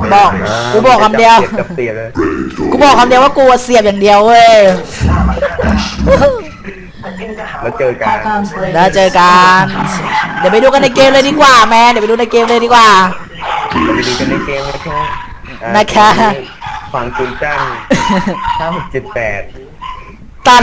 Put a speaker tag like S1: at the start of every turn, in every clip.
S1: บอกกูบอกคำเดียว
S2: จับเสียเลย
S1: กูบอกคำเดียวว่ากูเสียบอย่างเดียวเว้ย
S2: แล้วเจอกัน
S1: แล้วเจอกันเดี๋ยวไปดูกันในเกมเลยดีกว่าแมนเดี๋ยวไปดูในเกมเลยดีกว่า
S2: ไปดูกันในเกมนะคะ
S1: นะคะ
S2: ฝั่งจุนจ้าง5678
S1: ตัน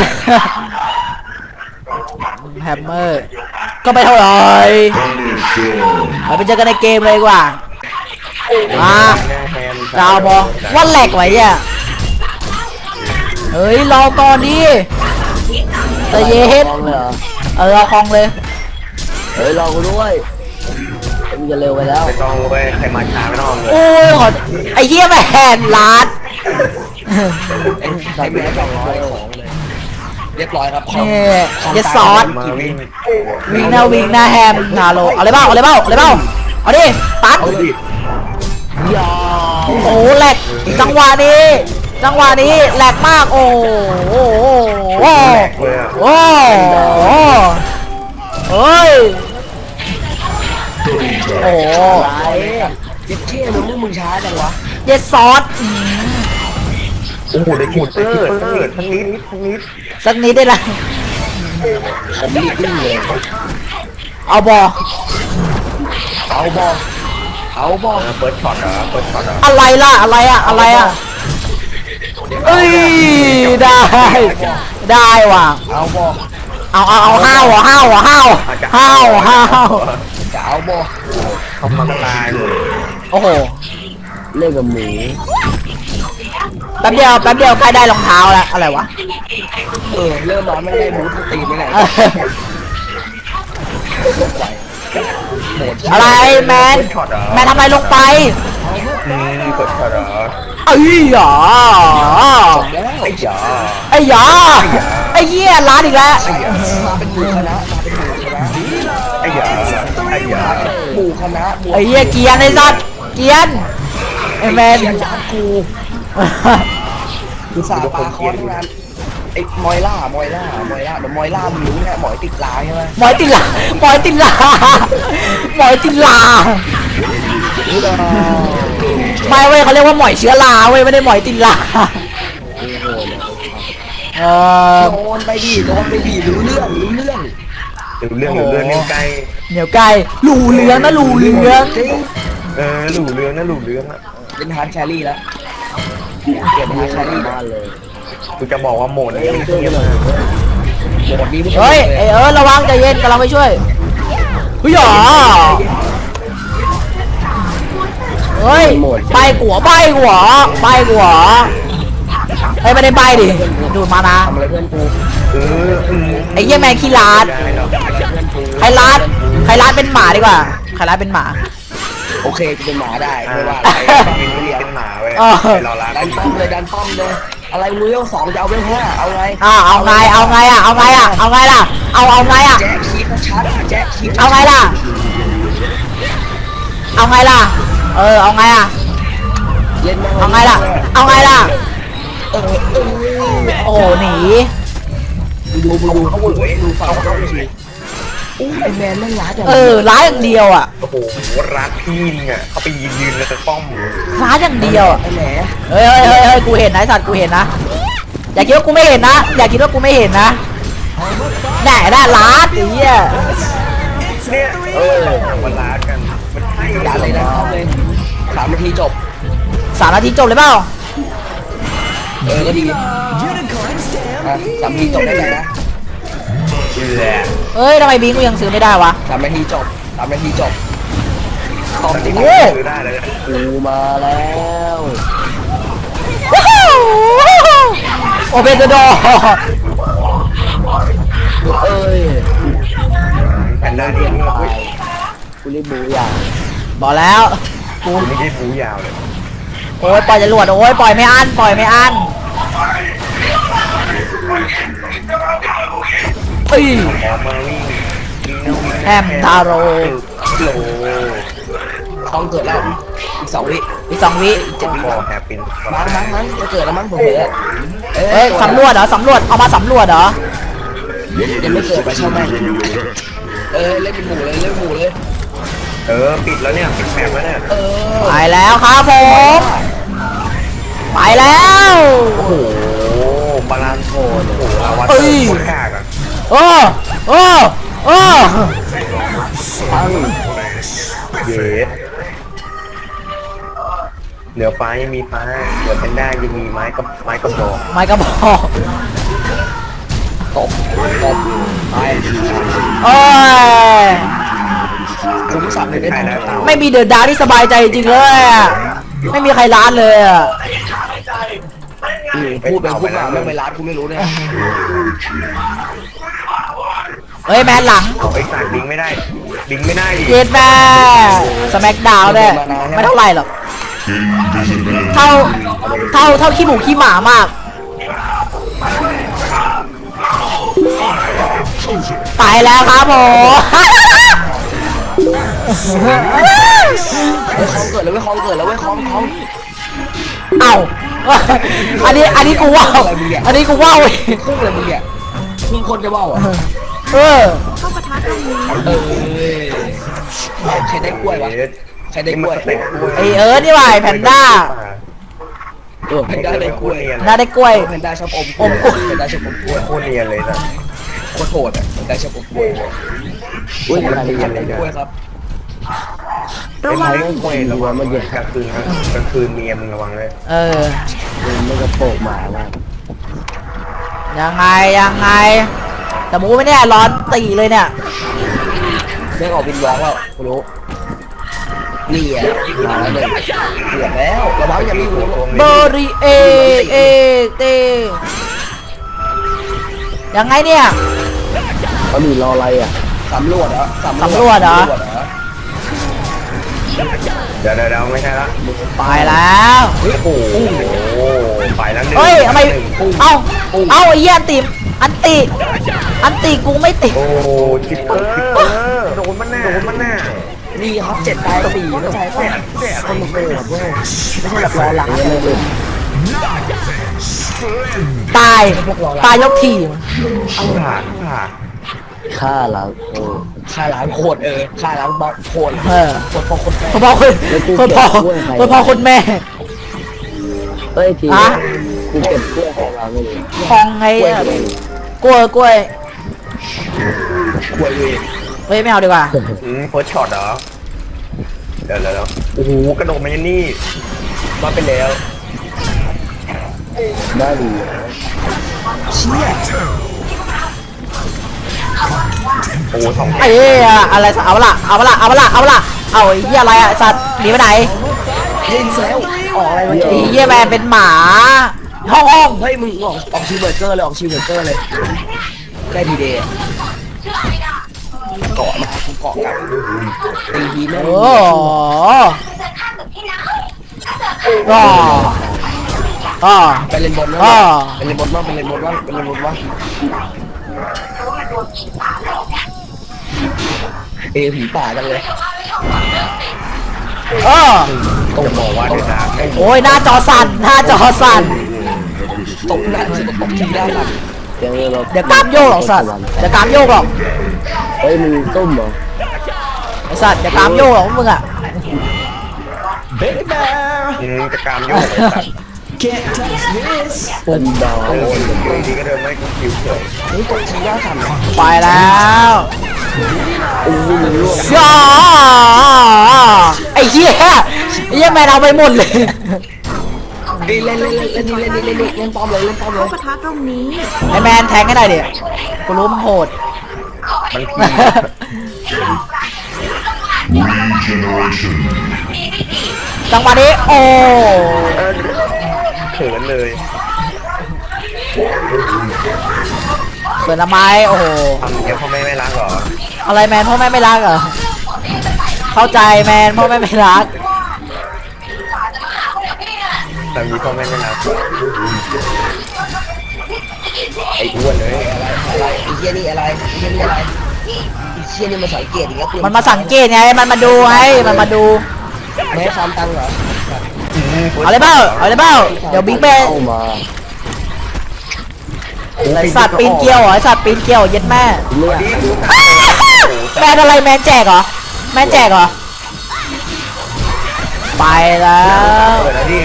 S1: แฮมเมอร์ก็ไม่เท่าไหร่ไปเจอกันในเกมเลยดีกว่ามา
S2: หน้าแฮม
S1: ดาวบอว่าแหลกไว้อ่ะเฮ้ยรอก่อนดิแต่เย็นรอคองเลย
S3: เฮ้ยรอกูด้วยมันจะเร็วไปแล้ว
S2: ไม่ต้องเว้ยใครมาช้าไม่ต้องเลย
S1: โอ้ยขอไอ้เหี้ยแมนล้าน
S3: ใส่แมส200ของเลยเรียบร้อยครับ
S1: นี่เยสซอส
S2: มาวิ่ง
S1: วิ่งหน้าแฮมนาโลเอาเลยเปล่าเอาเลยเปล่าเอาเลยเปล่าเอาดิตัด
S2: เอาดิ
S3: ยา
S1: โอ้โหแหลกจังหวะนี้แหลกมากโอ้โหโอ้โห
S2: แหลกเลยอ่ะ
S1: โอ้โหเฮ้ยโอ้โห
S3: อะไรเจ็ดเชี่ยมึงช้าจังวะ
S1: เยสซอส
S2: โอ้โหได้กินเปิดทั้งนิด
S1: สักนิดได้ละ
S3: ผมรีบวิ่งเลย
S1: เอาบอ
S3: เอาบอเอาบอ
S2: เปิดช็อตเหรอเปิดช็อตเหรอ
S1: อะไรล่ะอะไรอ่ะเอ้ยได้ว่ะ
S3: เอาบอ
S1: เอาห้าวจะเอาบอ
S2: เขามาตายเลย
S1: โอ้โห
S3: เล่นกับหมู
S1: แป๊บเดียวใกล้ได้รองเท้าแล้วอะไรวะ
S3: เริ่มร้อนไม่ได้บูทตีไม่ได้
S1: อะไรแมนทำอะไรลงไป
S2: เปิดช็อตเหรอ
S1: เอ้ยหรอ
S2: ไอ้จ๋า
S1: ไอ้หยาไอ้เหี้ยร้านอีกแล้ว
S3: มาเป็นหมูคณะมาเป็นหมูคณะ
S2: ไอ้จ๋า
S3: หมูคณะ
S1: ไอ้เหี้ยเกียนไอ้สัตว์เกียนไอ้แมน
S3: ยากูคือสาปาคอนงานไอ้มอยล่าเดี๋ยวมอยล่ามึงรู้เนี่ยหมอยติดลายใช่ไหม
S1: หมอยติดลาไม่เว้ยเขาเรียกว่าหมอยเชื้อราเว้ยไม่ได้หมอยติดลา
S3: โดนไปดิรู้เรื่อง
S2: ดูเรื่องนี่ใกล้
S1: เหนียวไก่หลูเหลืองนะหลูเหลือง
S2: หลู่เรื่องอ่ะ
S3: เป็นฮาร์ดแครี่แล้วเก็บฮาร์ดแครี่บ้านเลย
S2: กูจะบอกว่าโหมดนี้ไม่เทียบเลย
S3: หมดนี้ไม่
S1: เฮ้ยไอ้ระวังใจเย็นกำลังไปช่วยเฮ้ยหรอเฮ้ยใบหัวเฮ้ยไม่ได้ใบดิดูดมานะ
S3: ทำอะไรเพื่อนกู
S1: ไอ้เหี้ยแมนขี้ลาดใครลาดเป็นหมาดีกว่าใครลาดเป็นหมา
S3: โอเคจะเป็นหมาได้ไม่ว่า
S2: เป็นหมาเว้ยเราล้าง
S3: ดันป้อมเลยอะไรมือ2จะเอาเรื่อง5เอาไง
S1: เอาไงล่ะเอาไงล่ะ
S3: แจ็คคีฟชัดแจ็คคีฟ
S1: เอาไงล่ะเอาไงล่ะ
S3: เล่น
S1: เอาไงล่ะโอ้หนี
S3: ดูเขาดูฝั่งเขาสิไอแมนนั่งร้านอย่าง
S1: ร้ายอย่างเดียวอ่ะ
S2: โอ้โหรักพี่เนี่ยเขาไปยืนแล้วก็ป้อม
S1: ร้ายอย่างเดียวอ่ะ
S3: ไอแหน
S1: เฮ้ยกูเห็นนะไอ้สัตว์กูเห็นนะอย่าคิดว่ากูไม่เห็นนะแหน่ได้ล้านไอ้เหี้ย
S2: เนี่ยมันรักกันมันใช่
S3: ร้านอะไรนะเลย3 นาทีจบ
S1: 3 นาทีจบเลยเปล่า
S3: ก็ดี3 นาทีจบได้ไงนะ
S2: แหละ
S1: เฮ้ยทำไมบิงกูยังซื้อไม่ได้วะ
S3: 3 นาทีจบตอบ
S2: ตอน
S3: ดิ
S2: นี้
S3: โอ้
S2: ซื้อได้เลย
S3: กูมาแล้ว
S1: โอเปนดอ
S3: เอ้ย
S2: แพนด้าที่นี่เฮ้ย
S3: กูรีบบูอย่าง
S1: บอกแล้ว
S2: กูไม่ได้บูยาวเลย
S1: โอ้ยปล่อยจรวดโอ้ยปล่อยไม่อั้นเอ้ย
S2: ออกมาวิ่ง
S1: แฮมทาโร่
S2: โล
S3: ต้องเกิดแล้วอีก2 วิ
S1: อีก2 วิ
S2: พอแฮปปี้
S3: มั้งจะเกิดแล้วมั้งผมเผลอ
S1: เฮ้ยสำรวจเอามาสำรวจเหรอ
S3: ยังไม่เกิดไปใช่ไหมเล่นเป็นหมูเลย
S2: ปิดแล้วเนี่ยปิดแมปแล้วเนี่ย
S1: ไปแล้วครับผมไปแล้ว
S2: โอ้โหบาลานซ์โอ้โหอาวัตโคตรกากอ่ะ
S1: โอ้โอ้โอ้
S2: เย้เหลือฟ้ายังมีฟ้าเหลือแพนด้ายังมีไม้กับบอก
S1: ไม่กระบอก
S3: ตบไป
S1: โอ้ย
S3: คุณผู้ชมเลยได้
S2: ใช่
S3: ทำ
S2: แล้ว
S1: ไม่มีเดือดดาวที่สบายใจจริงเลยอะไม่มีใครร้านเลยอะ
S3: พูดไปพูดมาไม่ร้านกูไม่รู้เนี่ย
S1: เฮ้ยแมนหลัง
S2: เอาไอ้สายบิงไม่ได้ดิ
S1: เย็ดแม่สแม็กดาวเนี่ยไม่เท่าไหร่หรอกเท่าขี้หมูขี้หมามากไปแล้วครับผม
S3: คองเกิดแล้วเว้ยคองเกิดแล้วเว้ยคอง
S1: เอ้าอันนี้กูว่าวอันนี้กูว่าวเว้ย
S3: ครึ่งเลยมึงเนี่ยมึงคนจะว่าอ่ะ
S1: เออ
S3: ใครได้กล้วยวะใครได้กล้วย
S1: ไอนี่ว่ะไอ้แพนด้า
S3: แพนด้าได้กล้วย
S1: น่าได้กล้วย
S3: แพนด้าชอบอมกล้วยแพนด้าชอบอมกล้วย
S2: โคตรเนียนเลยนะ
S3: โคตรโหดอ่ะแพนด้าชอบอมกล้วยอุ้ยอะไรกันเลยกล้วยครับ
S2: ไอ้ไม้กล้วยระวังมันกลางคืนเมียมึงระวังเลย
S1: เออ
S3: มันก็โปกหมาว่ะ
S1: ยังไงแต่มูไม่เนี่ยร้อนตีเลยเนี่ย
S3: เรื่องออกวินวอล์กแล้วกูรู้นี่อ่ะมาแล้วเลยเกือบแล้วระวังอย่ามีหัว
S1: เบอริเอเตยังไงเนี่ย
S3: เขามีรออะไรอ่ะสำรวจเหรอ
S2: เดี๋ยวไม่ใช่ละ
S1: ไปแล้ว
S2: โอ้โหไปแล้วหนึ่ง
S1: เฮ้ยทำไมเอ้าไอ้เหี้ยอันติกูไม่ติด
S2: โอ้จิปเปอร์โดนมันแน่
S3: นี่ครับ7 ตาย 4ไม่ใช่ป่ะคนมันโหดเว้ยไม่ใช่แบบรอหลังเลย
S1: ตายยกทีม
S2: ผ่าน
S3: ฆ่าล้างโคตรฆ่าล้างบอสโคตร
S1: เออ
S3: พอคนแม่
S1: คนพ่อคนแม่
S3: เฮ้ยที
S1: ฮะ
S3: กูเก็บกล้วยของเราไม่เลย
S1: คองไงอะกล้วย
S3: กล้วยเว้ย
S1: เฮ้ยไม่เอาดีกว่า
S2: โค้ชช็อตเหรอเดี๋ยวโอ้โหกระโดดมายันนี่มาไปแล้ว
S3: ได้ดีเชี่ย
S2: โอ้สอง
S1: ไอ้อะไรเอาละเอาไอ้เหี้ยอะไรอะสัตว์หนีไปไหน
S3: ยิงแล้วออกอะไรมา
S1: ไอ้เหี้ยแมนเป็นหมาห้อง
S3: เฮ้ยมึงออกชิวเบอร์เกอร์เลยออกชิวเบอร์เกอร์เลยได้ทีเดย์เกาะมากูเกาะกับตีทีแม่
S1: โอ้อ๋อ
S3: ไปเล่นบอลนะไปเล่นบอลว่าผีป่าจังเลย
S2: จะบอกว่าเดี๋ยวนะ
S1: โอ้ยหน้าจอสั่น
S3: ตบหน้าตบทีได้หลัง
S1: เดี๋ยวกามโยกหรอกสัตว์เดี๋ยวกามโยกหรอก
S3: เฮ้ยมึงต้มเหรอ
S1: ไอ้สัตว์เดี๋ยวกามโยกหรอกมึงอะ
S2: จะกามโยกสัตว์
S3: เป็นดาว
S2: โอ้ยบางทีก็เดินไม่ก็คิวเฉย
S3: นี่ตบทีได้สั่น
S1: ไปแล้วย่าไอ้เหี้ยแมนเอาไปหมดเลย
S3: เล่นป้อมเลย
S4: ปะทะตรงนี้
S1: ไอ้แมนแทงให้หน่อยดิกูรู้มึงโหด
S2: บางที
S1: จังหวะนี้โอ้
S2: เขินเลย
S1: เปิดละไม้โอ้โห
S2: ทำเดี๋ยวพ่อแม่ไม่รักหรอ
S1: อะไรแมนพ่อแม่ไม่รักเหรอเข้าใจแมนพ่อแม่ไม่รัก
S2: ทำนี้พ่อแม่ไม่รักไอ้อ้วนเลย
S3: อะไรไอ้เหี้ยนี่อะไรไอ้เหี้ยนี่มาสังเกตอย่างเงี้ย
S1: มันมาสังเกตไงมันมาดูให้มันมาดู
S3: ไม่ให้ฟาร์มตังค์เหรอ
S1: เอาเลยเปล่าเดี๋ยวบิ๊กแมนไอสัตว์ปีนเกลียวเหรอไอสัตว์ปีนเกลียวเย็ดแม่
S3: เลือด
S1: แมนอะไรแมนแจกเหรอไปแล้ว
S2: เปิดแล้วดิ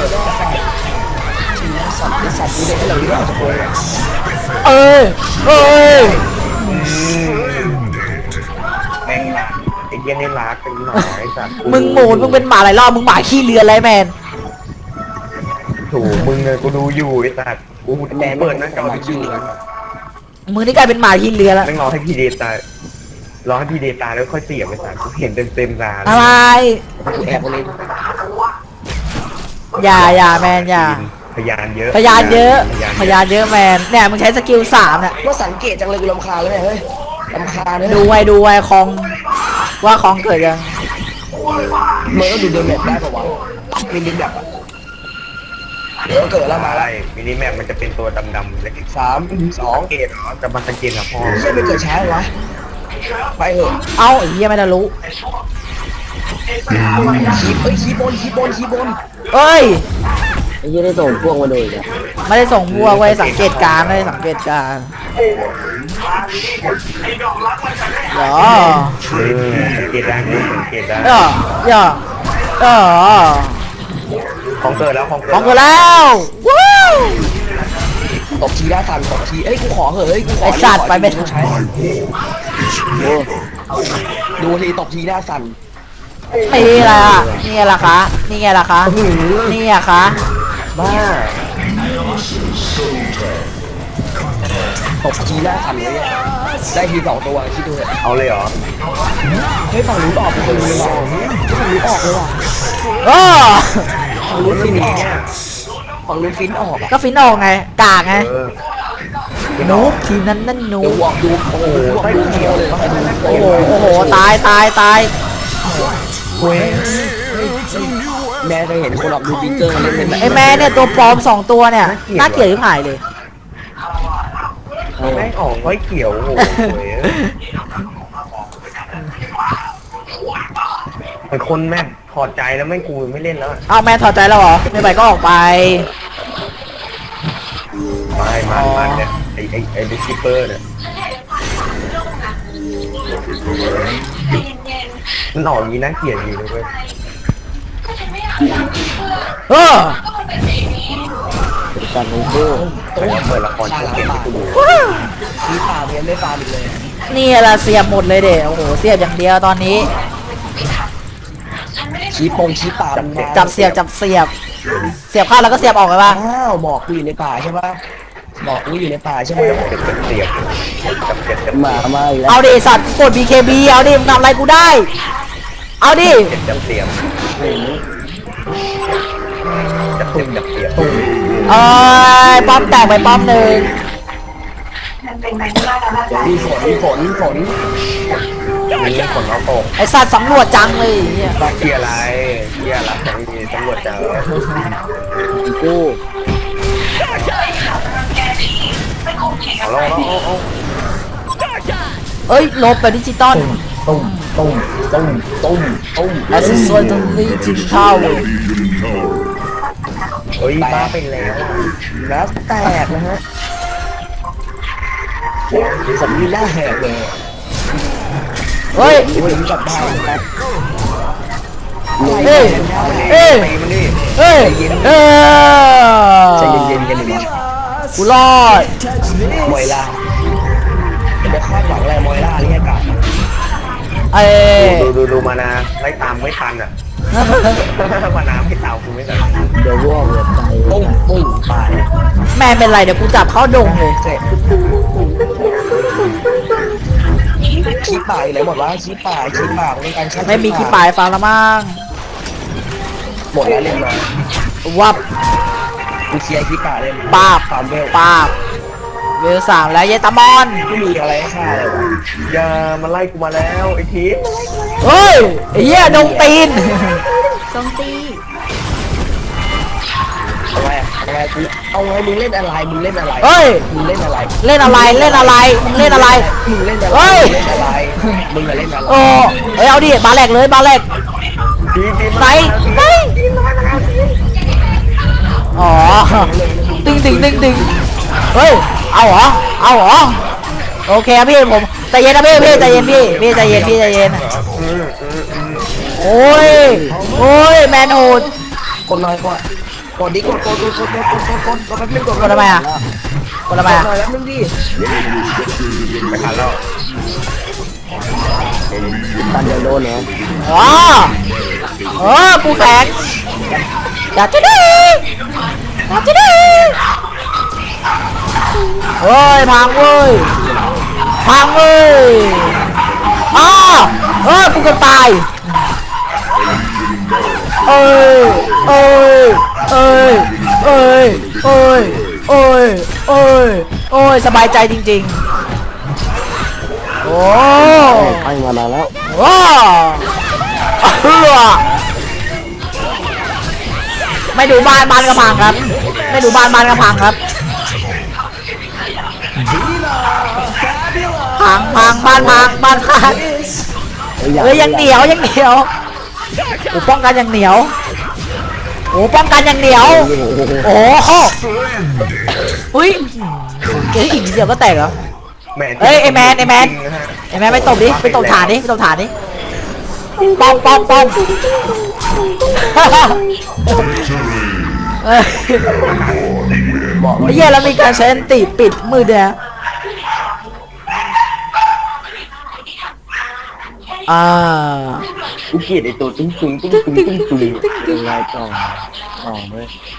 S3: สัตว์มีเด็กให้เราที่เราจะโกง
S1: เอ้ยเอ้ย
S2: แม่งมาไอ้เหี้ยนี่รักเป็นหมาไอ้สัตว์
S1: มึงโหมดมึงเป็นหมาหลายรอบมึงหมาขี้เลือนอะไรแมน
S2: ถูกมึงเลยกูดูอยู่ไอ้สัตว์กูเปิดหน้าจอดูอยู่
S1: มึงนี่กลายเป็นหมาขี้เลือนแล้ว
S2: แม่งรอให้พี่เดตายรอให้พี่เดตายแล้วค่อยเสียบไอ้สัตว์กูเห็นเต็มตา
S1: อะไร
S3: กูแอบมาเลย
S1: อย่าแมนอย่า
S2: พยานเยอะ
S1: พยานเยอะพยานเยอะแมนเนี่ยมึงใช้สกิล3เนี่ย
S3: ว่าสังเกตจังเลยกูรำคาญเลยเฮ้ยรำคาญเลย
S1: ดูไว้คองว่าคองเกิดยัง
S3: เมื่อก็ดูเดินแบบได้ป่าวะมีดินแบบเดี๋ยวเกิดแล้วมา
S2: อะไร
S3: แล้ว
S2: มินิแมปมันจะเป็นตัวดำๆเล็ก
S3: 3 2
S2: สังเกตเหรอจะมาสังเกตเหรอพ่อ
S3: ไม่ใช่ไปเกิดช้าเลยวะไปเถอะ
S1: เอ้าไอ้เหี้ยไม่ได้รู้
S3: คีบน
S1: เอ้ย
S3: ไอ้ยี่ได้ส่งพวกมาเลยเนี่ย
S1: ไม่ได้ส่งบัวไว้สังเกตการณ์ไม่ได้สังเกตการณ์เหรอ
S2: สังเกตได้กูสังเกตได้
S1: เออ
S2: ของเกิดแล้วของเกิด
S1: ของกูแล้วว้าว
S3: ตบทีได้ทันตบทีเอ้ยกูขอเหอะเฮ้ยกูขอ
S1: ไอ้สัตว์ไปไม่
S3: ใช้ดูทีตบทีได้สั่น
S1: นี่แหละนี่ไงล่ะคะนี่ไงล่ะคะนี่อะคะ
S2: บ้า
S3: ตบทีได้สั่นเลยได้ที2ตัวคิดดูเถอะ
S2: เอาเลยเหรอ
S3: เฮ้ยฝั่งนู้นออกไปคนนึงว่ะฝั่งนู้นออกเลยว่ะ
S1: เออ
S3: ฝั่งนู้นฟินออกฝั่งนู้นฟินออกอ่ะ
S1: ก็ฟินออกไงกากไง
S2: เออ
S1: นูบทีมนั้นนั่นนู
S3: เดี๋ยว
S1: บ
S3: วอกดูโอ้โหดูเดียวเลยว่าดู
S1: โอ้โหตาย
S3: แม่เคยเห็นคนออกดูฟิกเกอร์มาเล่นเป็น
S1: ไอ้แม่เนี่ยตัวปลอม2ตัวเนี่ยน่าเกลียดที่หายเลย
S2: แม่งออกไว้เขียวโอ้โหเหมือนคนแม่งถอดใจแล้วแม่งกูไม่เล่นแล้ว
S1: เอาแม่ถอดใจแล้วเหรอไม่ไปก็ออกไป
S2: มันเนี่ยไอ้ดิสคิปเปอร์เนี่ยมันออกอย่างนี้น่าเกลียดอยู่เลยเว้ย
S1: เออ
S3: การโน้ต
S2: เปิดละครช่องเกมให้กูดู
S3: มีป่าเพียนไม่ฟาร์มอีกเลย
S1: นี่แหละเสียบหมดเลยเด็โอ้โหเสียบอย่างเดียวตอนนี้
S3: ชี้ป่ามันมา
S1: จับเสียบเข้าแล้วก็เสียบออกเลยป่ะ
S3: อ้าวบอกกูอยู่ในป่าใช่ปะบอกกูอยู่ในป่าใช่ไหม
S2: เสียบจับ
S3: มาอีกแล้ว
S1: เอาดิสัตว์กด BKB เอาดิมึงทำอะไรกูได้ เอาดิ
S2: จับเสียบ
S1: เอ้ยป้อมแตกไปป้อมหนึ่ง
S3: มีฝน
S2: มีฝนแล้วตก
S1: ไอสัตว์สำรวจจังเลยไอ้เหี้ย
S2: เกียร์อะไรตำรวจเจอ
S3: กู
S2: เอาแล้ว
S1: เอ้ยลบไปดิจิตอล
S3: ตุ้ม
S1: แอสซิสต์ตรงนี้จินเท่า
S2: เฮ้ยบ้าไปแล้ว
S3: แล้วแตกนะฮะผมมีหน้าแหกเลย
S1: เฮ้ย
S3: ผมกลับบ้านครับ
S1: เอ้ย
S2: ตีมันดิ
S1: เฮ้ย
S3: ใจเย็นกันหนึ่ง
S1: กูรอด
S3: มอยล่าจะไปคาดหวังอะไรมอยล่านี่อากาศ
S1: เอ้ย
S2: ดูมานะไล่ตามไม่ทันอ่ะมาน้ำให้ตามกูไม่ทัน
S3: เดี๋ยวร่วงเลยใจตุ้มตาย
S1: แม่เป็นไรเดี๋ยวกูจับเข้าดงเลย
S3: เสร็จขี้ป่าอยู่ไหนหมดวะขี้ป่าในการฆ่า
S1: ไม่มีขี้ปลายฟังละมั่ง
S3: หมดแล้วเรียบร้อย
S1: วับ
S3: กูเคลียร์ขี้ป่าเลย
S1: ปาบ
S3: ฟาร์มเวล
S1: ปาบเวล3แล้วเยตามอน
S3: ไม่มีอะไรให้ฆ่าเลยวะ
S2: อย่ามาไล่กูมาแล้วไอ้ที
S1: เฮ้ยไอ้เหี้ยดงตีน
S3: เอาไงมึงเล่นอะไร
S1: เฮ้ย
S3: มึงเล่นอะไร
S1: เล่นอะไรมึงเล่นอะไร
S3: มึงเล่นอะไร
S1: เฮ้ย
S3: มึงเล่นอะไร
S1: โอ้เฮ้ยเอาดิบาแหลกเลยบาแหลก
S2: ที
S1: ไหนอ๋อตึงเฮ้ยเอาเหรอโอเคพี่ผมใจเย็นนะพี่ใจเย็นพี่ใจเย็นโอ้ยโอ้ยแมนโหด
S3: กดหน่อยกดดิกดแป๊บนึงกด
S1: กดทำไมอ่ะกดทำไมอ่ะ
S3: หน่อยแป๊บนึงดิ
S2: ไม่ทันแล้ว
S3: ตันเดียวโดนเหรอ
S1: อ๋อกูแข็งอยากจะได้เฮ้ยพังเว้ยอ้ากูจะตายเอ้ยสบายใจจริงๆโอ้
S3: ไปมานานแล้ว
S1: ว้าไม่ดูบ้านกระพังครับไม่ดูบ้านกระพังครับพังบ้านพังเอ้ยยังเหนียวโอ้ป้องกันยังเหนียวโอ้ป้องกันยังเหนียวโอ้โหอุ้ยอีกนิดเดียวก็แตกเหรอ
S2: แมน
S1: เฮ้ยไอ้แมนไปตบดิไปตบฐานดิป้อมเฮ้ยไอ้เหี้ยแล้วมีการใช้อันติปิดมือเดียว
S3: กูเกลียดไอ้ตัวตึ้งเป็นไงต่อเว้ย